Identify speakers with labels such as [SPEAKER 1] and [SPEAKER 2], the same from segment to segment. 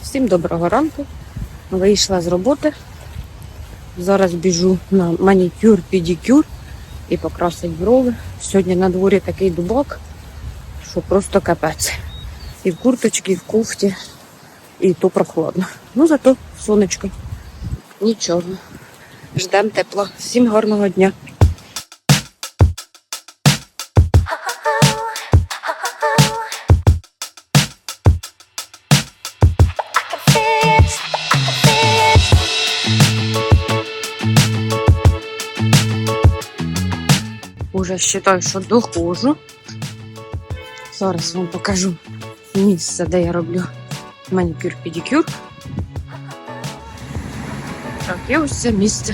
[SPEAKER 1] Всім доброго ранку. Вийшла з роботи. Зараз біжу на манікюр, педикюр і покрасить брови. Сьогодні на дворі такий дубак, що просто капець. І в курточці, і в кофті, і то прохладно. Ну зато сонечко. Нічого. Ждемо тепла. Всім гарного дня. Уже вважаю, що доходжу. Зараз вам покажу місце, де я роблю манікюр-педикюр. Так, і ось це місце.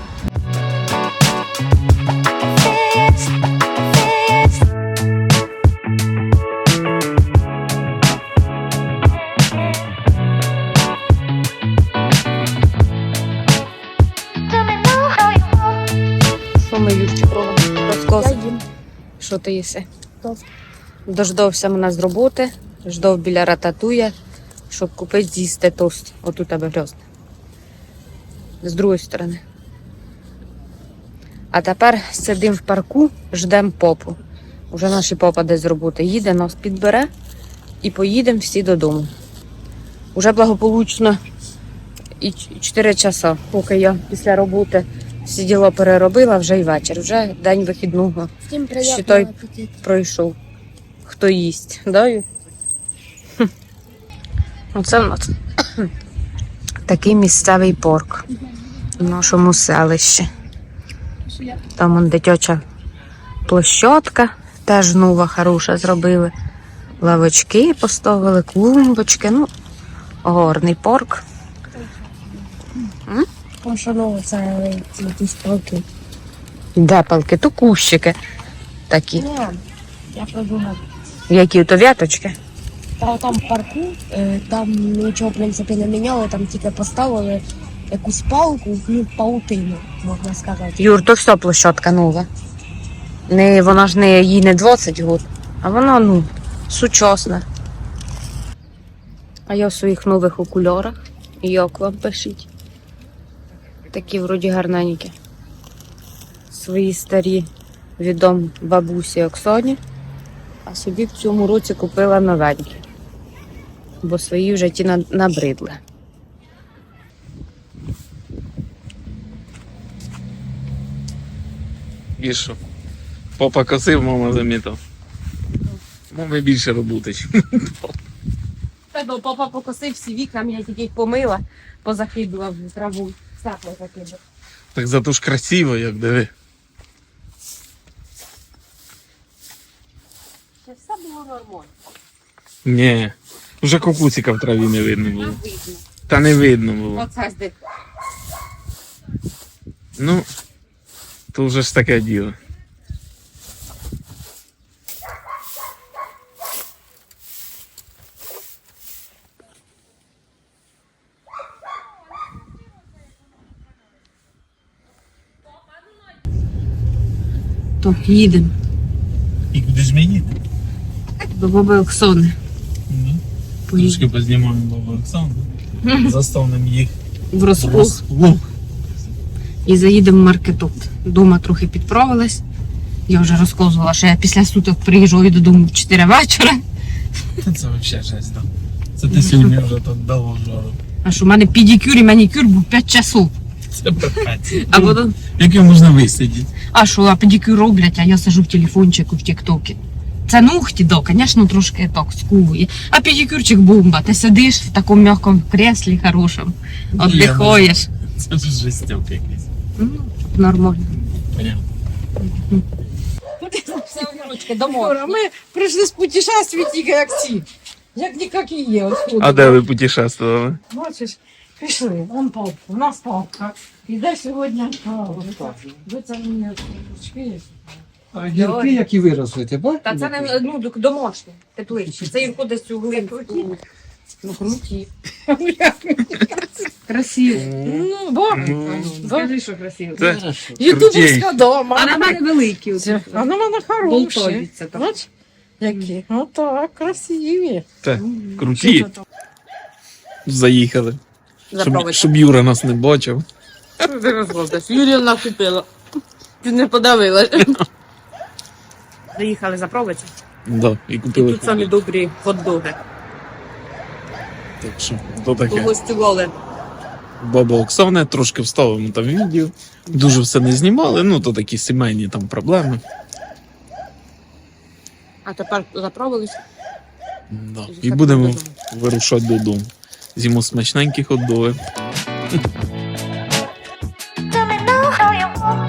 [SPEAKER 1] Що ми, Юрчик, робимо? Розказуй. Що ти їси?
[SPEAKER 2] Тост.
[SPEAKER 1] Дождався мене з роботи, ждав біля рататуя, щоб купити з'їсти тост. От у тебе грозне. З другої сторони. А тепер сидимо в парку, ждемо попу. Уже наші попа десь з роботи їде, нас підбере і поїдемо всі додому. Уже благополучно і 4 часа, поки я після роботи всі діла переробила, вже й вечір. Вже день вихідного.
[SPEAKER 2] Всім
[SPEAKER 1] Считай,
[SPEAKER 2] приємного апетиту.
[SPEAKER 1] пройшов. Хто їсть, да? Оце в нас такий місцевий парк в нашому селищі. Там вон дитяча площадка, теж нова, хороша зробили. Лавочки поставили, клумбочки. Ну, гарний парк.
[SPEAKER 2] Пошанову це якісь палки.
[SPEAKER 1] Де палки? То кущики такі.
[SPEAKER 2] Ні, я продумав.
[SPEAKER 1] Які то вяточки.
[SPEAKER 2] Та там в парку, там нічого, в принципі, не міняли, там тільки поставили якусь палку, ну, паутину, можна сказати.
[SPEAKER 1] Юр, то все площадка нова. Вона ж їй не 20 років, а вона, ну, сучасна. А я в своїх нових окулярах. Як вам пишіть? Такі вроді гарненькі. Свої старі відом бабусі Оксані. А собі в цьому році купила новенькі. Бо свої вже ті набридли.
[SPEAKER 3] І що? Папа косив, мама замітав. Мами більше роботи.
[SPEAKER 1] Бо папа покосив всі вікна, я тільки їх помила, позакидував в траву. Сапло закидав.
[SPEAKER 3] Так зато ж красиво, як диви.
[SPEAKER 1] Це все було нормально.
[SPEAKER 3] Ні. Вже кукусика в траві не видно було.
[SPEAKER 1] Видно.
[SPEAKER 3] Та не видно було.
[SPEAKER 1] Оце здесь.
[SPEAKER 3] Ну, то вже ж таке діло.
[SPEAKER 1] То їдемо
[SPEAKER 3] І куди ж ми їдемо?
[SPEAKER 1] до баби Оксани.
[SPEAKER 3] Трошки познімаємо бабу Олександру. Заставимо їх
[SPEAKER 1] В розплуг. І заїдемо в маркетот. Дома трохи підправилась. Я вже розказувала, що я після суток приїжджаю додому в 4 вечора.
[SPEAKER 3] Це взагалі жесть, так. Це ти сьогодні вже тут дало жару.
[SPEAKER 1] А що в мене педикюр і манікюр був 5 часов.
[SPEAKER 3] Це перфект.
[SPEAKER 1] А потім...
[SPEAKER 3] Як його можна висидіти?
[SPEAKER 1] А що, а педикюр роблять, а я сижу в телефончику в тіктокі. Це ногті, да, звісно, трошки так скувує. А педикюрчик бомба. Ти сидиш в такому м'якому креслі хорошому, віддихаєш.
[SPEAKER 3] Це ж жестяк якийсь.
[SPEAKER 1] Ну, нормально.
[SPEAKER 3] Понятно.
[SPEAKER 4] Ми прийшли з путешествий тільки як ці. Як ніякі є. Отсюди.
[SPEAKER 3] А де ви путешествували?
[SPEAKER 4] Бачиш, пішли. Вон палка. У нас палка. Іде сьогодні. Ви це мені ручки є?
[SPEAKER 5] А гірки, які виросли, ти бачиш?
[SPEAKER 1] Та це не домашні, тепличні. Це їх кудись у глинку. Ну, круті. Красиво.
[SPEAKER 4] Ну, добре.
[SPEAKER 1] Скажи, що красиво.
[SPEAKER 3] Це
[SPEAKER 4] Ютубовська дома.
[SPEAKER 1] А на мене великі.
[SPEAKER 4] А на мене хороші.
[SPEAKER 1] Болтовіться там.
[SPEAKER 4] Бач, які? Отак, красиві.
[SPEAKER 3] Це круті. заїхали. Щоб,
[SPEAKER 1] Заправити.
[SPEAKER 3] щоб Юра нас не бачив.
[SPEAKER 1] Юрія накупила. Ти не подавилась. Заїхали заправити.
[SPEAKER 3] Да, і
[SPEAKER 1] І
[SPEAKER 3] купили.
[SPEAKER 1] тут самі добрі хот-доги.
[SPEAKER 3] Так що, то таке.
[SPEAKER 1] Погостювали.
[SPEAKER 3] Баба Оксана, трошки вставимо там відео. Дуже все не знімали, ну то такі сімейні там проблеми.
[SPEAKER 1] А тепер заправились.
[SPEAKER 3] Да. І
[SPEAKER 1] Заходимо
[SPEAKER 3] будемо
[SPEAKER 1] додому.
[SPEAKER 3] вирушати додому. З'їмо смачненькі хот-доги.
[SPEAKER 6] Let me know how you want.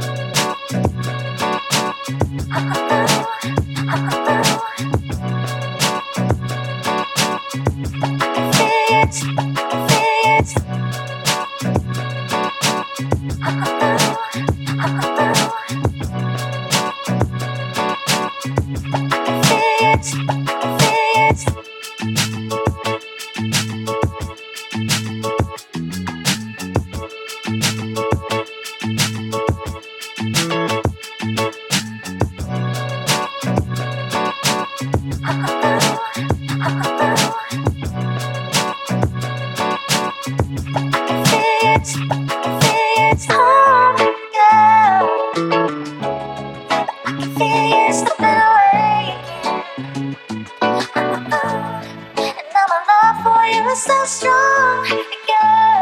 [SPEAKER 6] So strong, girl.